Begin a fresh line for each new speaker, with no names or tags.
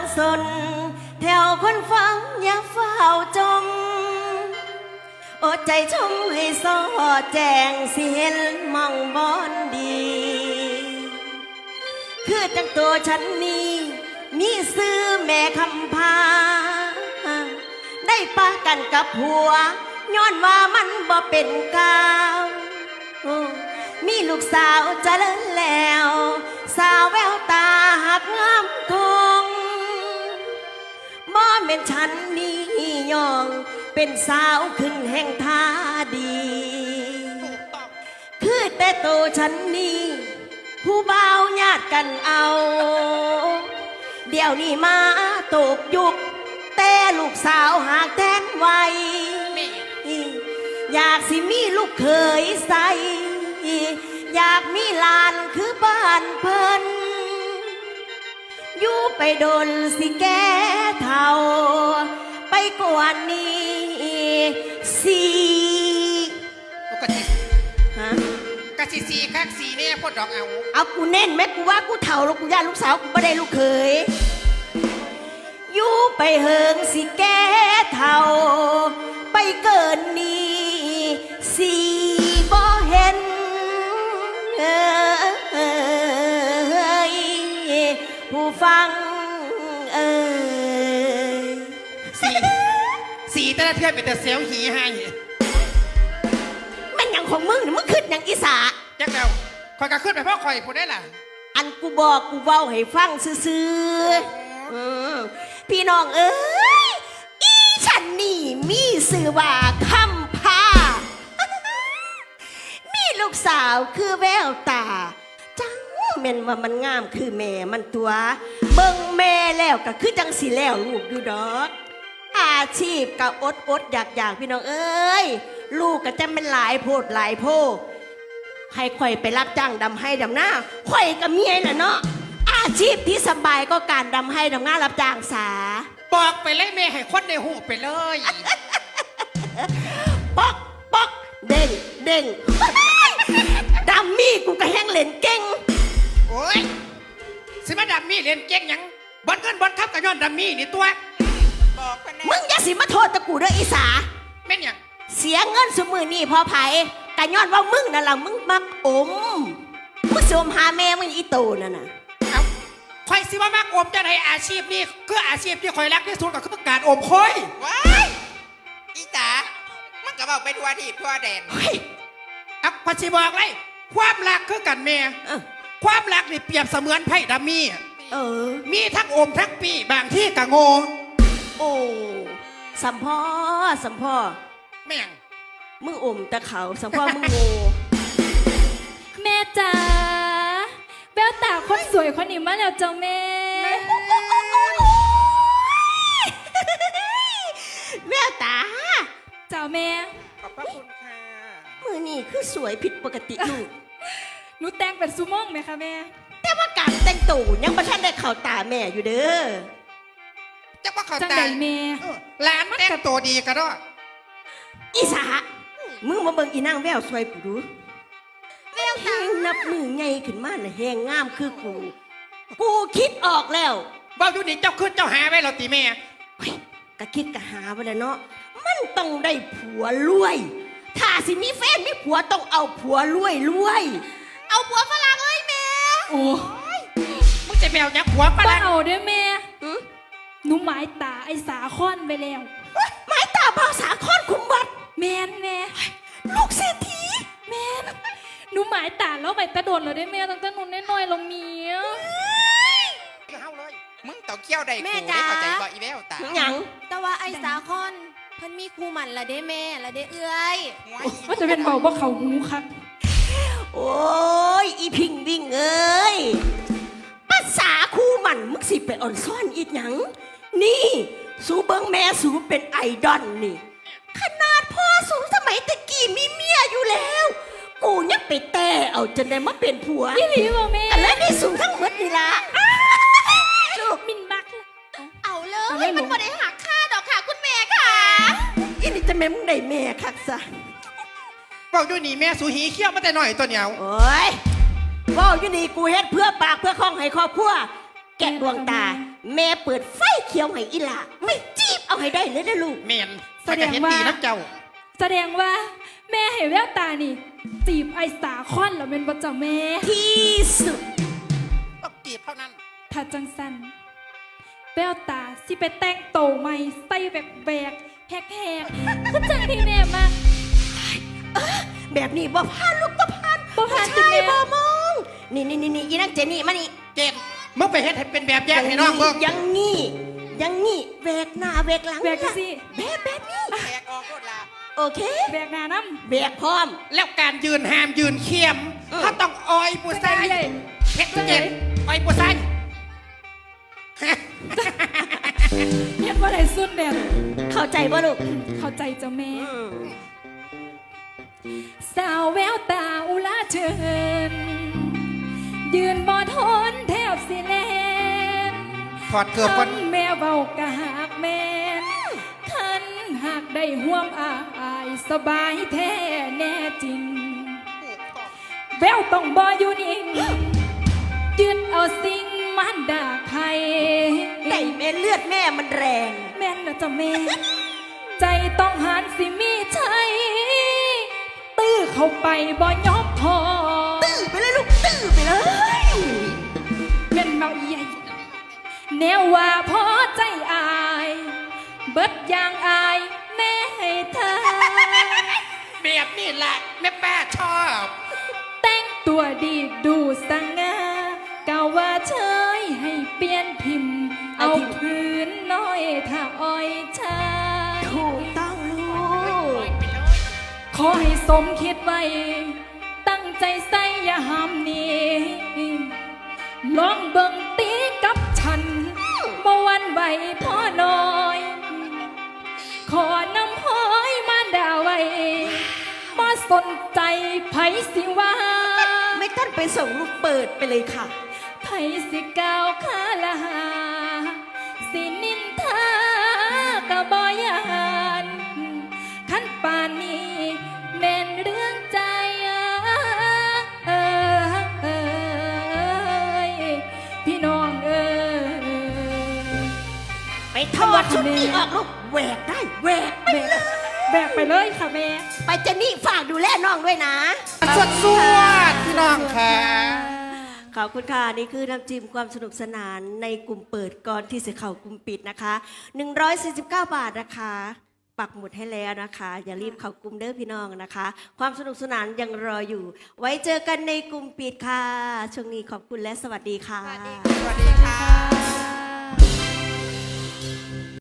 สนแถวคนฟังอย่าเฝ้าจมอดใจชมให้สอแจงสิเห็นมองบอนดี คือจังตัวฉันนี้มีซื้อแม่คำพา ได้ปะกันกับผัวย้อนว่ามันบ่เป็นกาวมีลูกสาวเจริญแล้ว สาวแววตาหักงามคงบ่เป็นฉันนี่ยองเป็นสาวขึ้นแห่งท่าดี คือแต่โตฉันนี่ผู้บ่าวญาติกันเอา เดี๋ยวนี้มาตกยุคแต่ลูกสาวหากแทนไว้อยากสิมีลูกเคยใส่อยากมีหลานคือบ้านเพิ่นอยู่ไปโดนสิแก่เท่าไปกว่านี้สิฮะ
กะสิสีคักสีเนี่ยพ่อดอก
เอากูเน้นแม่กูว่ากูเท่าแล้วกูย่าลูกสาวกูไม่ได้ลูกเคยอยู่ไปเฮิงสิแก่เท่าไปเกินนี้สิบ่เห็นผู้ฟัง
สีแต่ละเทือนเป็นแต่เซลหีให้
มันอย่างของมึงมึงขึ้นอย่างอีสา
จักเดาคอยกะขึ้นไปพ่อคอยพูดได้ล่ะ
อันกูบอกกูเว้าให้ฟังซื่อพี่น้องเอ้ยอีฉันนี่มีชื่อว่าคำพา มีลูกสาวคือแววตาจังแม่นว่ามันงามคือแม่มันตัวเบิ่งแม่แล้วก็คือจังสิแล้วลูกอยู่ดอกอาชีพก็อดอยากพี่น้องเอ้ยลูกก็จะเป็นหลายโพดหลายโพให้ข่อยไปรับจ้างดำให้ดำหน้าข่อยกับเมียน่ะเนาะอาชีพที่สบายก็การดำให้ดำหน้ารับจ้างสา
บอกไปเลยแม่ให้คนในหูไปเลย
ป๊อกป๊อกเด้งเด้งดัมมี่กูก็แห้งเล่นเก่ง
โอ้ยสิมาดัมมี่เล่นเก่งยังบอลเงินบอลทับกับย้อนดัมมี่นี่ตัว
บอกกันแน่มึงอย่าสิมาโทษตะกูเด้ออีสา
แม่นยัง
เสียเงินสมือนี่พอไผ่กะย้อนว่ามึงนั่นล่ะมึงมักอมมึงสวมหาแม่มึงอีโตนั่นน่ะ
เอาคอยสิว่ามากอมจะในอาชีพนี้คืออาชีพที่คอยรักที่สุดก็คือการอมคอย
ว้ายอีจ๋ามันก็บอกไปทัวที่ทัวแดน
อ่ะพอสิบอกเลยความรักคือกันแม่ความรักนี่เปรียบเสมือนไพ่ดัมมี่มีทั้งอมทั้งปีบางที่กะโง
โอ้สัมพ่อ
แม่ง
มึงอมตะเขาสัมพ่อมึงโง
แม่จ๋าแววตาคนสวยคนนี้มาแล้วจ้าแม่
แววตา
เจ้าแม่
ขอบพระคุณค่ะ
มือนี่คือสวยผิดปกติลูก
หนูแต่งเป็นซูม่องไหมคะแม่
แต่ว่าการแต่งตัวยังไม่ทันได้เข้าตาแม่อยู่เด้อ
จะว่าเขาตาย
แม่
ร้านแต่งตัวดีกันด้วย
อีสามึงมาเบิ่งอีนางแววสวยกูดูแววตานับมือไงขึ้นมาน่ะแหงงามคือกูคิดออกแล้ว
ว่าอยู่นี่เจ้าขึ้นเจ้าหาไว้เราตีแม่
ก็คิดก็หาไว้แล้วเนาะมันต้องได้ผัวรวยถ้าสิมีแฟนมีผัวต้องเอาผัวรวยเอาผัวฝรั่งเลยแม่
โอ้
มึงจะแมวยักษ์ผัวฝรั่ง
เอาด้วยแม่หนูหมายตาไอ้สาคอนไปแล้ว
หมายตาภาษาคอนคุมบัด
แม่
ลูกเศรษฐี
แม่หนูหมายตาแล้วไปตะโดดเลยได้แม่ตั้งแต่หนูน้อยๆลงเมีย
เข้าเลยมึงต้องเกี่ยวได้กูได้เข้าใจบ่อีแววตา
หยัง
แต่ว่าไอ้สาคอนเพิ่นมีครูหมันละเด้แม่ละเด้เอื้อย
ว่าจะเป็นเบาว่าเขาหูครับ
โอ้ยอีพิงวิ่งเอ้ยภาษาคู่มันมึงสิไปอ่อนซ่อนอีกหยังนี่สูเบิ้งแม่สูเป็นไอดอลนี่ขนาดพ่อสูสมัยตะกี้มีเมียอยู่แล้วกูยังไปแต่เอาจนได้มาเป็นผัว
พี่หลีบอกแม่
แล้วนี่สูทั้งหมดนี่ละ
ลูกมินบัก
เอาเลยมันบ่ได้หักค่าดอกค่ะคุณแม่ค่ะ
อีนี่จะแม่มึงได้แม่คักซะ
บอกอยู่นี่แม่สูหีเขี้ยวมาแต่หน่อยตัวเหนียว
โอ้ยบอกอยู่นี่กูเฮ็ดเพื่อปากเพื่อคล้องให้ครอบครัวแกะดวงตา แม่เปิดไฟเขียวให้อีหล่าไม่จีบเอาให้ได้เลยนะลูก
แม่นมันก็เห็นดีน้ำเจ้า
แสดงว่าแม่ให้แววตานี่จีบไอ้สาคอนแล้วเป็นบ่จ้ะแม่
ที่สุด
ต้องจีบเท่านั้น
ถ้าจังสันแววตาสิไปแต่งโตใหม่ใส่แบกแหกคือจังที่แม่มา
แบบนี้บ่พานลูกบ่พาน
บ่ผ่าน
ผู้ชาย
จ้ะแม่
บ่มอง นี่อีนักเจนี่มานี่
เจนมึงไปเฮ็ดให้เป็นแบบอย่างให้น้องเบิ่ง
ยังงี้แวกหน้าแวกหลัง
แบกสิ
แบบนี้
แขกออกรถลา
โอเค
แบกหน้าน้
แบกพร้อม
แล้วการยืนห้ามยืนเคียม
เออ
เขาต้องออย
ำ
ผู้
จัง
ชาย
ใดเลย
เฮ็ดเจนออยผู้ชาย
เฮ็ดบ่ได้สุดเด็ด
เข้าใจบ่ลูก
เข้าใจจ้ะแม่
อืม
สาวแววตาอุลาเชิญ ยืนบ่ทนแทบสิแลน
ถอดเกือบก่อน
แม่เบากะหักแม่นคันหากได้ห่วมอายสบายแท้แน่จริง แววต้องบ่อยู่นิ่งยืนเอาสิ่งมันด่าใคร
แต่แม่เลือดแม่มันแรง
แม่นนะจ๊ะแม่ ใจต้องหันสิมีใจตื้อเข้าไปบ่ยอมพอ
ตื้อไปเลยลูกตื้อไปเลย
เป็นเมาใหญ่แนวว่าพอใจอาย เบิดอย่างอายแม่ให้เธอ
แบบนี้แหละแม่ป้าชอบ
แต่งตัวดีดูสง่าเก่าว่าเชยให้เปลี่ยนพิมพ์ เอาพื้นน้อยถ้าอ้อยชาย
ถูกต้องลูก
ขอให้สมคิดไว้ ตั้งใจใส่อย่าห้ามหนี้ลองเบิ่งตีกับฉันบ่หวันไหวพ่อน้อย ขอนำห้อยมาด่าไว้บ่สนใจไผสิว่า
ไม่ต้องไปส่งลูกเปิดไปเลยค่ะ
ไผสิกล่าวข้าละหา สินินทากะบ่ยานขันป่านนี้แม่นเรื่องใจพี่น้องเอ้ย
ไปถอดชุดนี้ออกลูกแหวกได้แหวกไปเลย
แบกไปเลยค่ะแม่
ไปเจนนี่ฝากดูแลน้องด้วยนะ
สวดพี่น้องค่ะ
ขอบคุณค่ะ นี่คือน้ำจิ้มความสนุกสนานในกลุ่มเปิดก่อนที่จะเข้ากลุ่มปิดนะคะ 149 บาทนะคะ ปักหมุดให้แล้วนะคะ อย่ารีบเข้ากลุ่มเด้อพี่น้องนะคะ ความสนุกสนานยังรออยู่ ไว้เจอกันในกลุ่มปิดค่ะ ช่วงนี้ขอบคุณและสวัสดีค่ะ
สวัสดีค่ะ